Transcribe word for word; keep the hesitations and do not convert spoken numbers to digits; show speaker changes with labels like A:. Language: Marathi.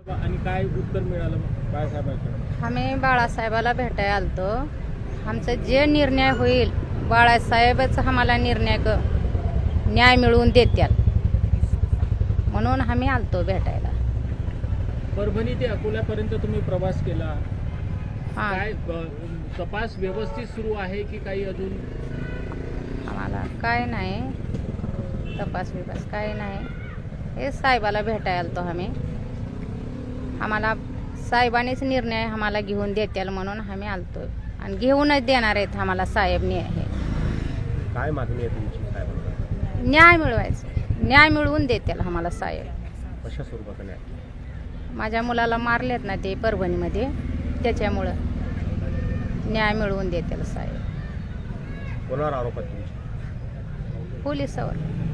A: आणि काय उत्तर मिळालं मग बाळासाहेबांकडे?
B: आम्ही बाळासाहेबाला भेटायला आलतो. आमचं जे निर्णय होईल बाळासाहेबच आम्हाला निर्णय क न्याय मिळवून देत्याल म्हणून आम्ही आलतो भेटायला.
A: परभणी ते अकोल्यापर्यंत तुम्ही प्रवास केला.
B: हां,
A: काय ब- तपास व्यवस्थित सुरू आहे की काही अजून?
B: आम्हाला काय नाही तपास बिपास काय नाही. हे साहेबाला भेटायला आलतो आम्ही. आम्हाला साहेबांनीच निर्णय आम्हाला घेऊन देत्याल म्हणून आम्ही आलतो आणि घेऊनच देणार आहेत आम्हाला साहेब ने हे
C: काय मागणी आहे तुमची साहेबांना?
B: न्याय मिळवायचं, न्याय मिळवून देत्याल आम्हाला साहेब.
C: कशा स्वरूपाचा न्याय?
B: माझ्या मुलाला मारलेत ना ते परभणीमध्ये, त्याच्यामुळं न्याय मिळवून देतील साहेब.
C: कोणावर आरोप आहे तुमचे?
B: पोलिसावर.